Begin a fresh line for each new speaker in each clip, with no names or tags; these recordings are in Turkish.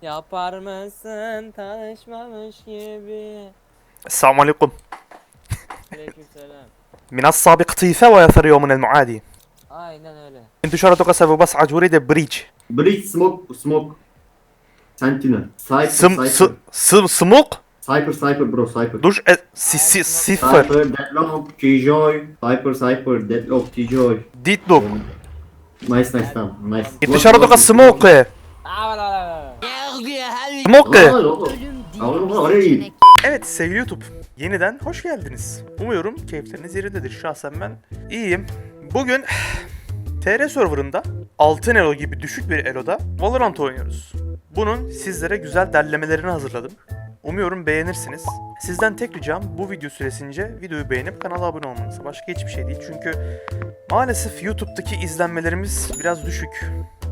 Yapar mısın tanışmamış gibi?
السلام عليكم.
Aleykümselam.
من السابق طيفة ويثر يوم من المعادي.
Aynen öyle.
انتشرتك سبب أريد بريج.
Breach smoke. Sentinel.
سم
Cypher.
سموق
Cypher bro cypher.
دوش صفر
Cypher, Deadlock, Killjoy. Cypher, Deadlock, Killjoy.
ديتلوك.
Nice tamam nice.
انتشرتك سموق سموق.
Oraya git.
Evet sevgili YouTube, yeniden hoş geldiniz. Umuyorum keyifleriniz yerindedir. Şahsen ben iyiyim. Bugün TR serverında 6 elo gibi düşük bir eloda Valorant oynuyoruz. Bunun sizlere güzel derlemelerini hazırladım. Umuyorum beğenirsiniz. Sizden tek ricam bu video süresince videoyu beğenip kanala abone olmanız. Başka hiçbir şey değil çünkü maalesef YouTube'daki izlenmelerimiz biraz düşük.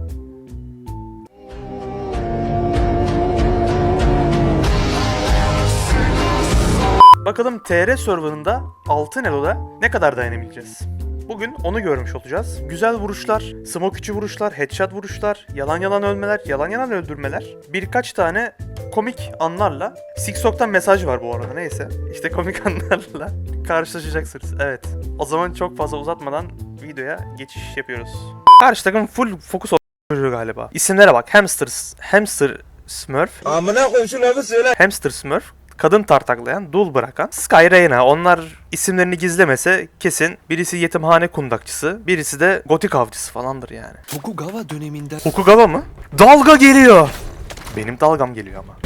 Bakalım TR serverında altın eloda ne kadar dayanabileceğiz? Bugün onu görmüş olacağız. Güzel vuruşlar, smoke içi vuruşlar, headshot vuruşlar, yalan ölmeler, yalan öldürmeler. Birkaç tane komik anlarla, Siksok'tan mesaj var bu arada neyse. İşte komik anlarla karşılaşacaksınız. Evet. O zaman çok fazla uzatmadan videoya geçiş yapıyoruz. Karşı takım full fokus oluyor galiba. İsimlere bak. Hamster Smurf.
Amına koyayım şu lafı söyle.
Hamster Smurf. Kadın tartaklayan, dul bırakan, Sky Reyna. Onlar isimlerini gizlemese kesin birisi yetimhane kundakçısı, birisi de gotik avcısı falandır yani.
Tokugawa döneminde
Okugawa mı? Dalga geliyor. Benim dalgam geliyor ama.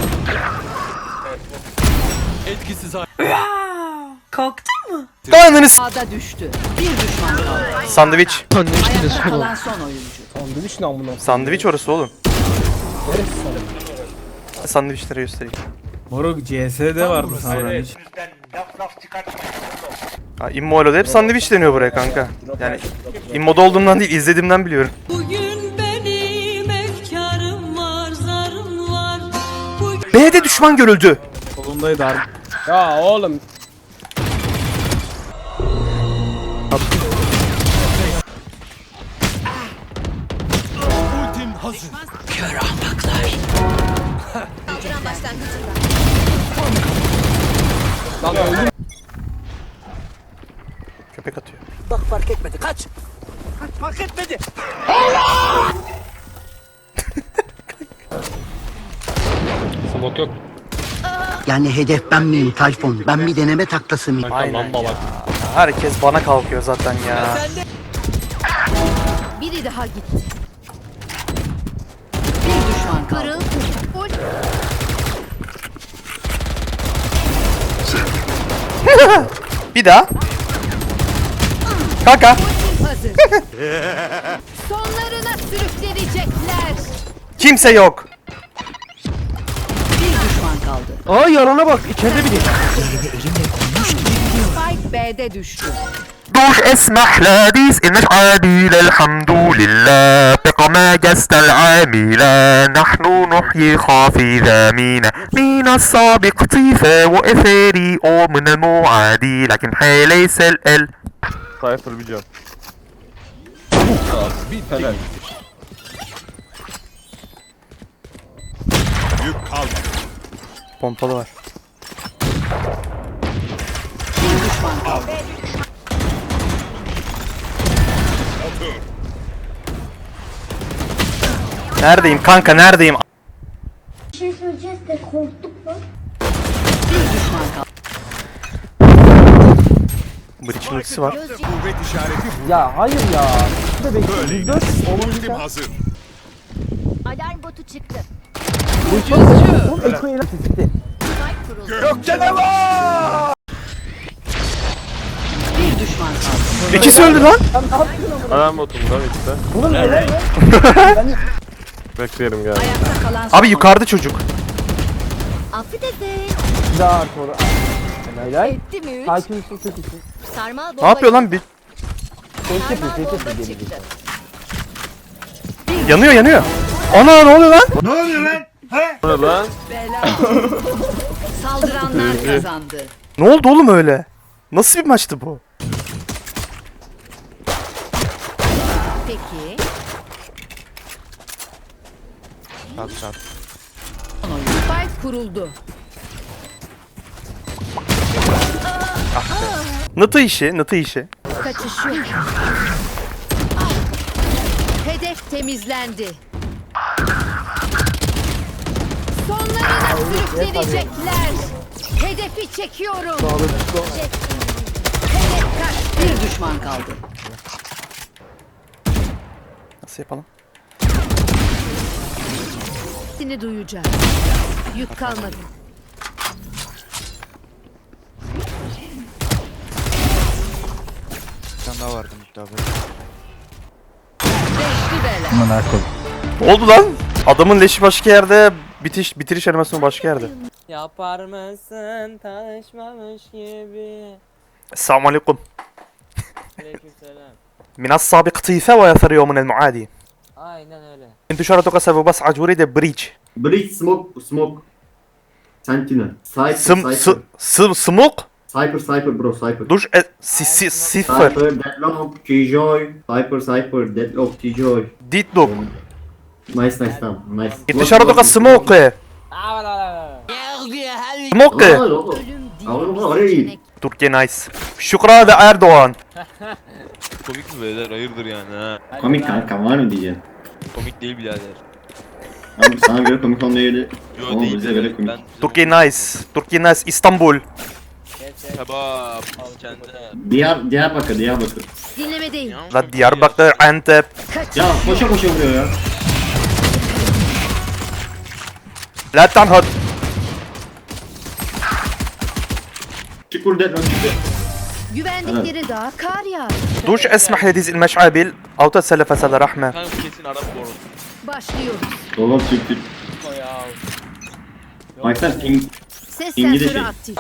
etkisiz
Kalktın mı?
Dayanınız.
Ağda düştü. Bir düşman kaldı.
Sandviç.
Ayakta kalan son oyuncu.
Sandviç orası oğlum. Sandviçleri göstereyim.
Moruk CS'de vardı sandviç.
Ha, İmmo'da hep sandviç deniyor buraya kanka. Yani İmmo'da olduğumdan değil, izlediğimden biliyorum.
Bugün benim efkarım var, zarım var.
B'de düşman görüldü.
Solundaydı harbi. Ya oğlum.
ultim hazır.
Lan öldüm.
Köpek atıyor.
Bak fark etmedi. Kaç. Fark etmedi.
Yani hedef ben miyim Tayfun? Ben bir deneme taklası mıyım?
Aynen ya. Herkes bana kalkıyor zaten ya.
Biri daha gitti. Bir düşman kaldı.
Bir daha. Kanka.
Hazır. Sonlarına sürüklenecekler.
Kimse yok.
Bir düşman kaldı.
Aa yarana bak içeride biri.
Spike B'de düştü.
دوش اسمح لذيذ إنش عادي الحمد لله بقما جست العاملة نحن نحيي خافي ذامينا من السابق طيفة وإثاري أو من المعادي لكن حي ليس ال
Cypher bir can.
Bitti. Yük kalmadı.
Pompalı var.
Bir düşman kaldı.
Neredeyim kanka neredeyim?
Bir şey söyleyeceğiz de korktuk mu?
Bir düşman kaldı.
Breach'in ultisi var.
Kuvvet işareti bu.
Ya hayır ya.
Böyle. Ultim hazır.
Alarm botu çıktı.
Gökte ne var?
Bir düşman kaldı.
İkisi öldü lan.
Alarm botumda işte. Bekleyelim gel.
Ayakta kalan son
Abi yukarıda çocuk.
Affedersin.
Daha sonra. Helal.
Etti mi üç?
Takipçisi çok iyi.
Sarmal bomba.
Ne yapıyor lan bir?
Sarmal bomba çıktı.
Yanıyor. Ana ne oluyor lan?
Bu ne lan?
Saldıranlar kazandı.
Ne oldu oğlum öyle? Nasıl bir maçtı bu?
Peki.
Çat.
kuruldu.
Nıtı işi, nıtı işi.
Kaçış yok. Hedef temizlendi. Sonlarına sürükleyecekler. Hedefi çekiyorum. Hedef kaç. Bir düşman kaldı.
Nasıl yapalım?
Seni duyacağım. Yük kalmadı. Beşli bela.
Ne oldu lan? Adamın leşi başka yerde, bitiriş animasyonu başka yerde.
Yapar mısın tanışmamış gibi?
Esselamu aleyküm.
Aleykümselam.
من السابق طيفة ويثر يوم من المعادي.
Aynen öyle.
انتشارتك سبب أريد بريتش.
Breach smoke. Sentinel. Cypher.
سموق
Cypher bro Cypher.
دوش صفر
Cypher, Deadlock, T-Joy. Cypher, Deadlock, T-Joy.
ديت دوك
Nice tamam. Nice.
انتشارتك سموق سموق
Oğlum orayı.
تركيا نايس شكرا لأردوغان.
Komik mi beyler? Hayırdır yani ha?
Komik kanka var mı diyeceğim.
Komik değil birader.
Abi sana göre komik olmayabilir.
Yo
Ama
değil.
bize göre komik.
تركيا نايس إسطنبول.
Kebap. Kendi.
Diyarbakır.
Dinlemedeyim.
لا دياربكر أنتب.
Ya koşa vuruyor ya.
لا تنهض.
Çukur Deadlock çıktı.
Güvendikleri dağa kar yağar.
دوش اسمح لديز المشعبل أو تسلف سل رحمة.
Kanka kesin Arap bu arada.
Başlıyoruz.
Dolap çıktı.
O ya.
Baksana ping.
Ses
İngilizce.
sensörü aktif.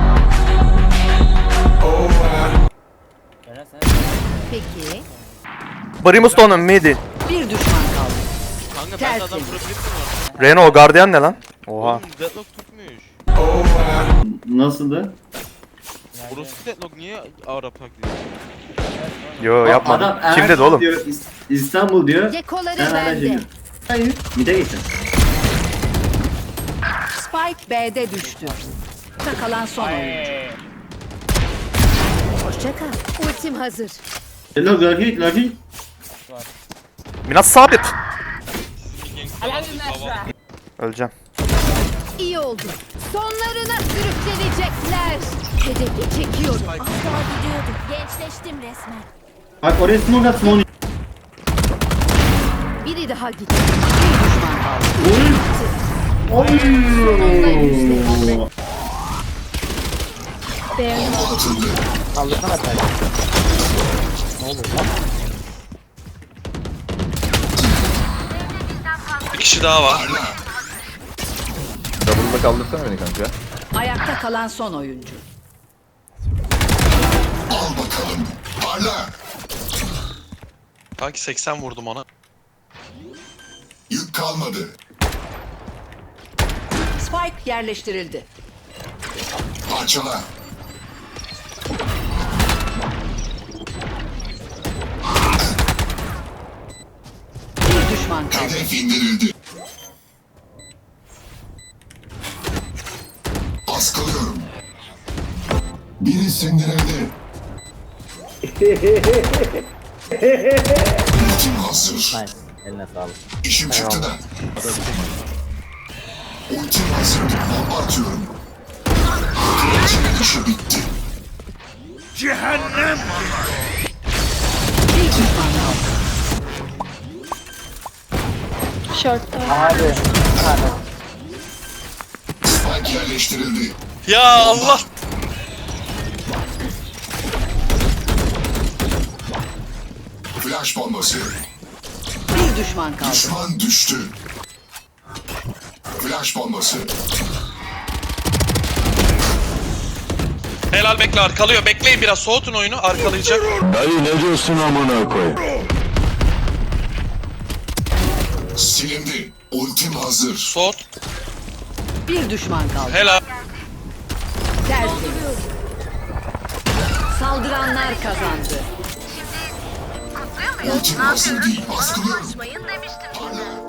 Eren sen
Peki.
بريموستون ميدي.
Bir düşman kaldı.
Kanka ben de adam
Tertemiz.
vurabilir miyim orada?
Reno Guardian ne lan? Oha.
Oğlum Deadlock tutmuş.
Nasıldı?
Burası Deadlock niye Arap taklidi?
Yo yapmadım.
Adam
Kim dedi oğlum?
Diyor, İstanbul diyor.
Gekoları
Sen hala
bende.
şey Hayır. Bir de geçin.
Spike B'de düştü. Kalan son oyuncu. Hoşça kal. Ultim hazır.
Deadlock Lucky.
من السابق. Öleceğim.
İyi oldu. Sonlarına sürüklenecekler. Hedefi çekiyorum.
Az daha gidiyorduk. Gençleştim resmen.
Bak oraya smoke at smoke.
Biri daha gitti. Bir düşman kaldı.
Oy.
Kaldırsana sen. Ne oluyor lan?
Bir kişi daha var.
Double'da kaldırsana beni kanka.
Ayakta kalan son oyuncu.
Kanki 80 vurdum ona.
Yük kalmadı.
Spike yerleştirildi.
Parçala.
Bir düşman kaldı.
Hedef indirildi. Baskılıyorum. Biri sindirildi. Ultim hazır.
Nice. Eline sağlık.
İşim çıktı da. Ultim hazır. Bomba atıyorum. Kılıcın işi bitti.
Bir düşman kaldı.
Abi.
Spike yerleştirildi.
Ya Allah!
Flash bombası.
Bir düşman kaldı.
Düşman düştü. Flash bombası.
Helal bekle arkalıyor. Bekleyin biraz soğutun oyunu arkalayacak.
Dayı ne diyorsun amına koy? Silindi. Ultim hazır.
Soğut.
Bir düşman kaldı.
Helal.
Tertemiz. Saldıranlar kazandı.
Ultim hazır değil. Baskılıyorum. Parla.